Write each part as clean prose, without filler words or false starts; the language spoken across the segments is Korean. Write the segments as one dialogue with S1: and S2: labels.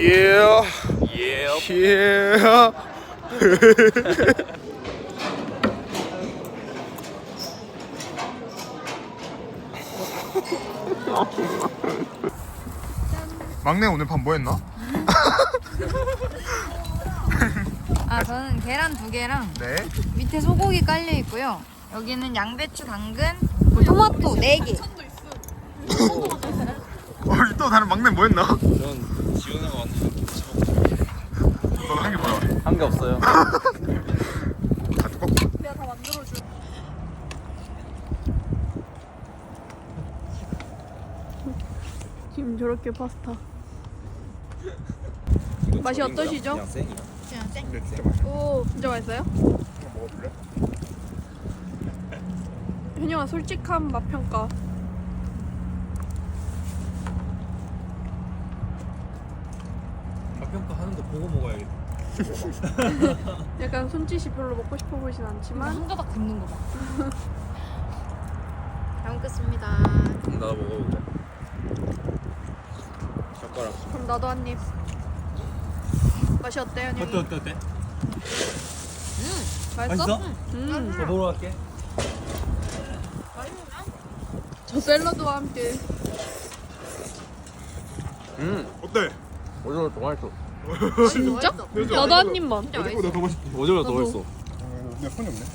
S1: Yeah. Yeah. 막내 오늘 밤 뭐 했나?
S2: 아, 저는 계란 2개랑
S1: 네.
S2: 밑에 소고기 깔려 있고요. 여기는 양배추, 당근, 토마토 4개.
S1: 또 다른 막내 뭐 했나?
S3: 전 지훈이가 만든 김치 먹고
S1: 너는 한 게 뭐야?
S3: 한 게 없어요.
S1: 다 두꺼?
S4: 내가 다 만들어줘. 지금 저렇게 파스타. 맛이 어떠시죠?
S3: 그냥 생이야.
S1: 근데 진짜 맛있어.
S4: 오, 진짜 맛있어요?
S1: 한번 먹어볼래?
S4: 현영아, 솔직한 맛 평가.
S3: 맛평가 하는 거 보고 먹어야겠다.
S4: 약간 손짓이 별로 먹고 싶어 보이진 않지만
S2: 한 가닥 굽는 거 봐. 잘 먹겠습니다.
S3: 나도 먹어볼래. 젓가락.
S4: 그럼 나도 한 입. 맛이 어때요, 현영이?
S3: 어때?
S4: 맛있어?
S3: 더 먹으러 갈게.
S4: 저 샐러드와 함께.
S1: 어때?
S3: 오징어 더 맛있어.
S4: 진짜? 나도 한 입만.
S1: 어제보다 더 맛있지?
S3: 오징어 더
S4: 나도.
S3: 맛있어.
S1: 내가 손이 없네.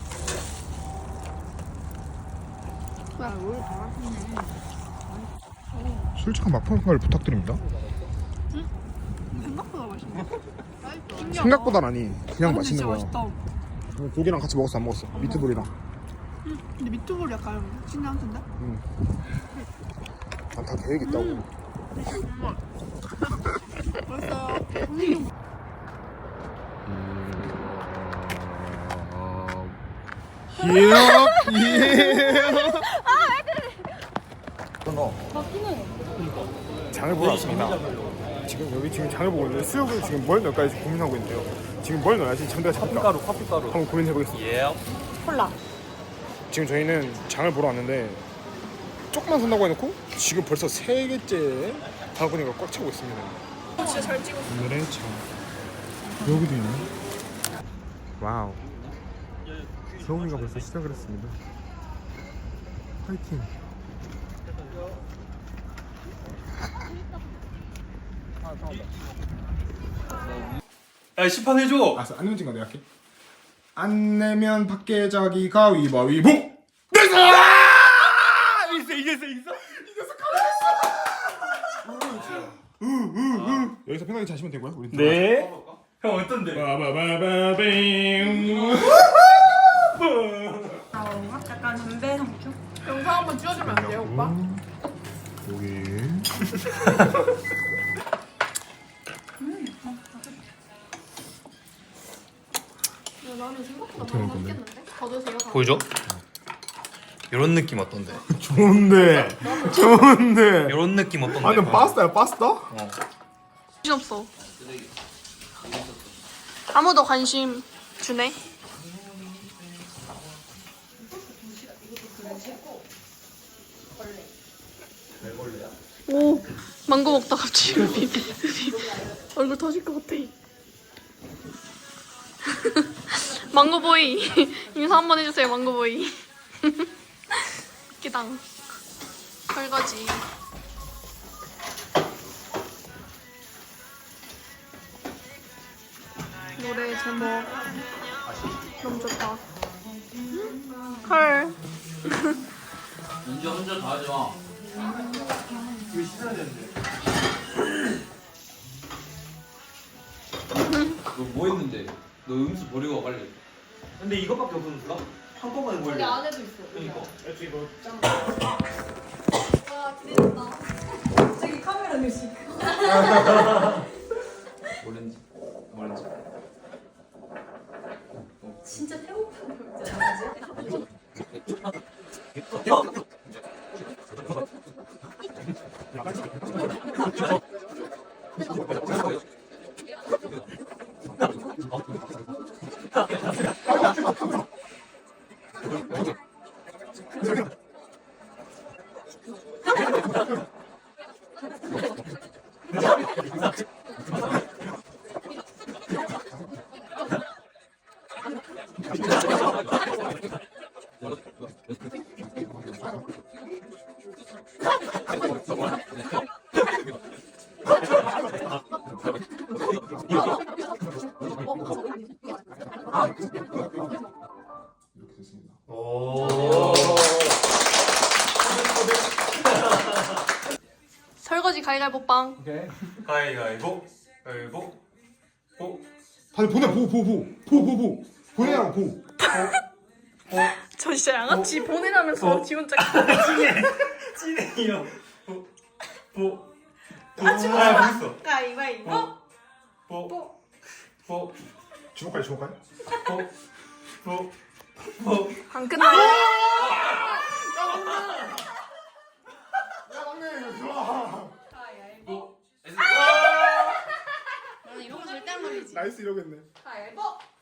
S1: 솔직한 맛평가를 부탁드립니다.
S4: 생각보다 맛있네.
S1: 생각보단 아니 그냥 맛있는
S4: 진짜
S1: 거야.
S4: 맛있다.
S1: 고기랑 같이 먹었어 안 먹었어? 미트볼이랑.
S4: 근데 미트볼 약간 신기한데?
S1: 다 계획 있다고.
S4: 맛있어요.
S1: 장을 보러 왔습니다. 지금 장을 보고 있는데 수육을 지금 뭘 넣을까 고민하고 있는데요. 지금 뭘 넣어야지 장대가 잡힐까?
S3: 커피가루.
S1: 한번 고민해 보겠습니다.
S3: 예.
S2: 콜라.
S1: 지금 저희는 장을 보러 왔는데 조금만 산다고 해놓고 지금 벌써 3개째 바구니가 꽉 차고 있습니다.
S4: 진짜 잘 찍었어.
S1: 오늘의 장 여기도 있네. 와우. 서훈이가 벌써 시작을 했습니다. 파이팅.
S3: 야, 시판 해줘.
S1: 알았어, 안 내면 진거 내가 할게. 안 내면 밖에 자기 가위바위보. 됐어! 이겼어. 여기서 편하게 자시면 되고요. 우리
S3: 네. 형 어떤데?
S1: 바바바바빙.
S2: 약간 담배 상추?
S4: 영상 한번 찍어주면 안 돼요, 오빠?
S1: 여기.
S4: 야, 나는 생각보다
S1: 어떻게
S4: 많이
S1: 먹을 건데?
S4: 맛있겠는데? 더 드세요.
S3: 보여줘? 이런 느낌 어떤데?
S1: 좋은데.
S3: 이런 느낌 어떤데?
S1: 완전 파스타야, 파스타?
S4: 관심 없어. 아무도 관심 주네. 오, 망고 먹다 갑자기 얼굴 터질 것 같아. 망고보이 인사 한번 해주세요, 망고보이. 기당 설거지. 노래 제목 너무 좋다. 헐.
S3: 이제 혼자 다 하지 마. 너 뭐 했는데? 너 음수 버리고 와 빨리. 근데 이것밖에 없었는가? 한꺼번에 뭘? 근데 안에도 있어. 그러니까.
S2: 와, 기대된다. 갑자기 카메라 의식.
S3: 오렌지.
S2: 진짜 배고픈 거 있잖아.
S1: 이렇게 됐습니다.
S4: 설거지 가위바위보 빵.
S1: 오케이.
S3: 가위가위보. 가위보. 보.
S1: 다들 보내 보내라고 보.
S4: 저 진짜 양아치 보내라면서 지 혼자.
S3: 찐해요. 보. 보.
S4: 아, 지금
S3: 벌써.
S4: 가위바위보.
S3: 보. 보.
S1: 주먹까지.
S3: 보. 보. 보.
S4: 안 끝나요?
S1: 야 막내 좋아.
S3: 보.
S2: 나는 이런 거 절대 안 걸리지.
S1: 나이스 이러겠네.
S2: 가위바위보.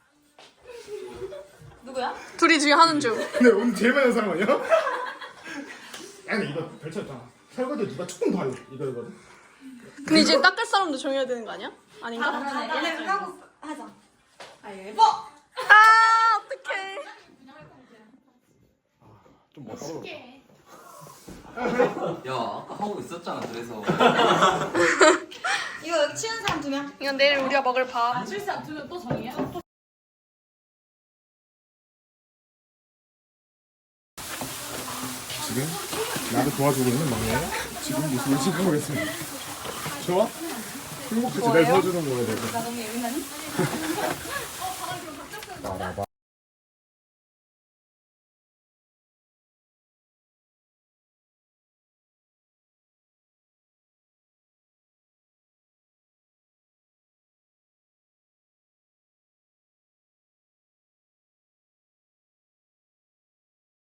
S2: 누구야?
S4: 둘이 중에 하는 중.
S1: 근데 오늘 제일 많이 한 사람 아니야? 아니 이거 별차였잖아. 설거지 누가 조금 더 할래 이거거든.
S4: 근데 이제 닦을 사람도 정해야 되는 거 아니야? 아닌가?
S2: 얘네 하고 하자. 가위바위보.
S4: 아 어떡해.
S1: 좀 멋있어.
S3: 야 아까 하고 있었잖아 그래서.
S2: 이거 여기 치는 사람 2명.
S4: 이건 내일 우리가 먹을 밥.
S5: 실상 두면 또 정이야?
S1: 지금 나를 도와주고 있는 막내. 지금 무슨 일을 하고 있습니다. 좋아? 행복하지 날 도와주는 거에 대해서.
S2: 나 너무 예민하니?
S1: 봐봐.